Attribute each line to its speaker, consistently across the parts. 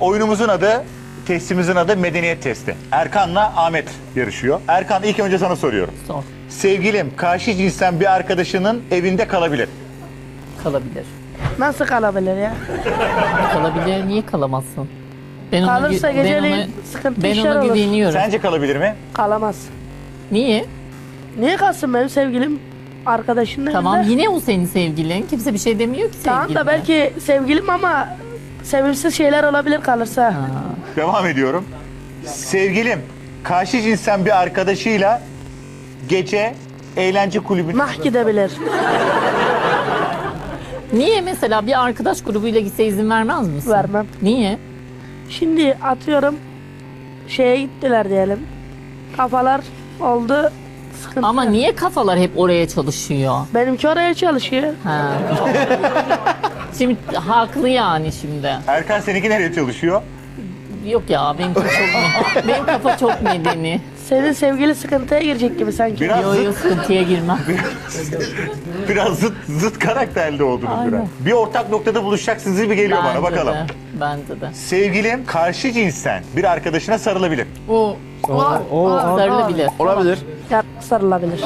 Speaker 1: Oyunumuzun adı, testimizin adı medeniyet testi. Erkan'la Ahmet yarışıyor. Erkan, ilk önce sana soruyorum.
Speaker 2: Sor.
Speaker 1: Sevgilim karşı cinsten bir arkadaşının evinde kalabilir.
Speaker 2: Kalabilir.
Speaker 3: Nasıl kalabilir ya?
Speaker 2: Kalabilir. Niye kalamazsın? Ben
Speaker 3: Kalırsa
Speaker 2: ben
Speaker 3: geceleyin sıkıntı
Speaker 2: ben
Speaker 3: işler
Speaker 2: ona
Speaker 3: olur.
Speaker 2: güveniyorum.
Speaker 1: Sence kalabilir mi?
Speaker 3: Kalamaz.
Speaker 2: Niye?
Speaker 3: Niye kalsın benim sevgilim arkadaşının
Speaker 2: Tamam,
Speaker 3: evinde?
Speaker 2: yine o senin sevgilin. Kimse bir şey demiyor ki sevgiline.
Speaker 3: Tamam da belki sevgilim ama sevimsiz şeyler olabilir kalırsa.
Speaker 2: Ha.
Speaker 1: Devam ediyorum. Sevgilim karşı cinsten bir arkadaşıyla gece eğlence kulübüne...
Speaker 3: Nah gidebilir.
Speaker 2: Niye mesela bir arkadaş grubuyla gitse izin vermez misin?
Speaker 3: Vermem.
Speaker 2: Niye?
Speaker 3: Şimdi atıyorum şeye gittiler diyelim. Kafalar oldu. Sıkıntı.
Speaker 2: Ama niye kafalar hep oraya çalışıyor?
Speaker 3: Benimki oraya çalışıyor.
Speaker 2: Ha. Şimdi haklı yani şimdi.
Speaker 1: Erkan, seninki nereye çalışıyor?
Speaker 2: Yok ya benim kafa çok medeni.
Speaker 3: Senin sevgili sıkıntıya girecek gibi sanki.
Speaker 1: Biraz
Speaker 2: Yo yo, sıkıntıya girmem.
Speaker 1: Biraz zıt karakterli oldunuz
Speaker 2: Aynen.
Speaker 1: biraz. Bir ortak noktada buluşacaksınız gibi geliyor bana, bakalım.
Speaker 2: Bence de.
Speaker 1: Sevgilim karşı cinsten bir arkadaşına sarılabilir.
Speaker 2: O sarılabilir.
Speaker 4: Olabilir.
Speaker 3: Sarılabilir.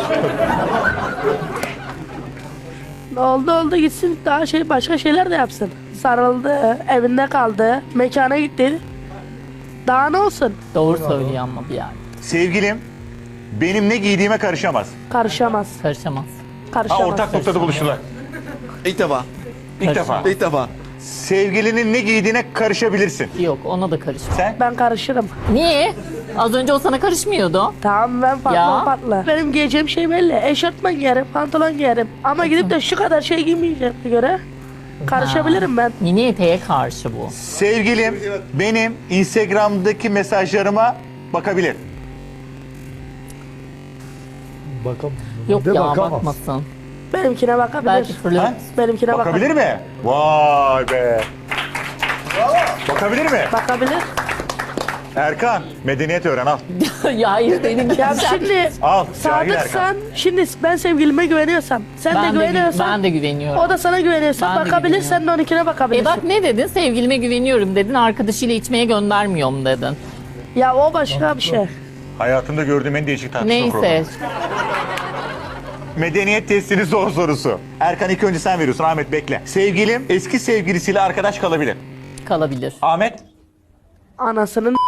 Speaker 3: Oldu gitsin daha başka şeyler de yapsın. Sarıldı, evinde kaldı, mekana gitti. Daha ne olsun?
Speaker 2: Doğru söylüyor ama bir yer.
Speaker 1: Sevgilim benim ne giydiğime karışamaz.
Speaker 3: Karışamaz.
Speaker 2: Karışamaz.
Speaker 3: Karışamaz.
Speaker 1: Ortak noktada buluştular.
Speaker 4: İlk defa.
Speaker 1: İlk defa.
Speaker 4: İlk defa.
Speaker 1: Sevgilinin ne giydiğine karışabilirsin.
Speaker 2: Yok, ona da karışmaz.
Speaker 1: Sen?
Speaker 3: Ben karışırım.
Speaker 2: Niye? Az önce o sana karışmıyordu.
Speaker 3: Tamam ben farklı
Speaker 2: Ya.
Speaker 3: o farklı. Benim giyeceğim şey belli. Eşortman giyerim, pantolon giyerim. Ama gidip de şu kadar şey giymeyeceğime göre karışabilirim ben.
Speaker 2: Mini eteğe karşı bu.
Speaker 1: Sevgilim benim Instagram'daki mesajlarıma bakabilir.
Speaker 2: Yok
Speaker 5: De
Speaker 2: ya,
Speaker 5: bakamaz.
Speaker 2: bakmasın.
Speaker 3: Benimkine bakabilir.
Speaker 2: Belki flört.
Speaker 1: Ha?
Speaker 3: Benimkine
Speaker 1: Bakabilir mi? Vay be. Bakabilir mi?
Speaker 3: Bakabilir.
Speaker 1: Erkan, medeniyet öğren, al.
Speaker 2: Ya hayır dedim.
Speaker 3: Ya şimdi
Speaker 1: Al, cahil Erkan.
Speaker 3: sadıksan, şimdi ben sevgilime güveniyorsam, sen de güveniyorsan,
Speaker 2: Ben de güveniyorum.
Speaker 3: o da sana güveniyorsa
Speaker 2: Ben de
Speaker 3: bakabilir, sen de onunkine bakabilirsin.
Speaker 2: Bak ne dedin? Sevgilime güveniyorum dedin. Arkadaşıyla içmeye göndermiyorum dedin.
Speaker 3: Ya o başka bir şey.
Speaker 1: Hayatımda gördüğüm en değişik tartışma
Speaker 2: Neyse.
Speaker 1: programı. Medeniyet testinin zor sorusu. Erkan, ilk önce sen veriyorsun. Ahmet bekle. Sevgilim eski sevgilisiyle arkadaş kalabilir.
Speaker 2: Kalabilir.
Speaker 1: Ahmet?
Speaker 3: Anasının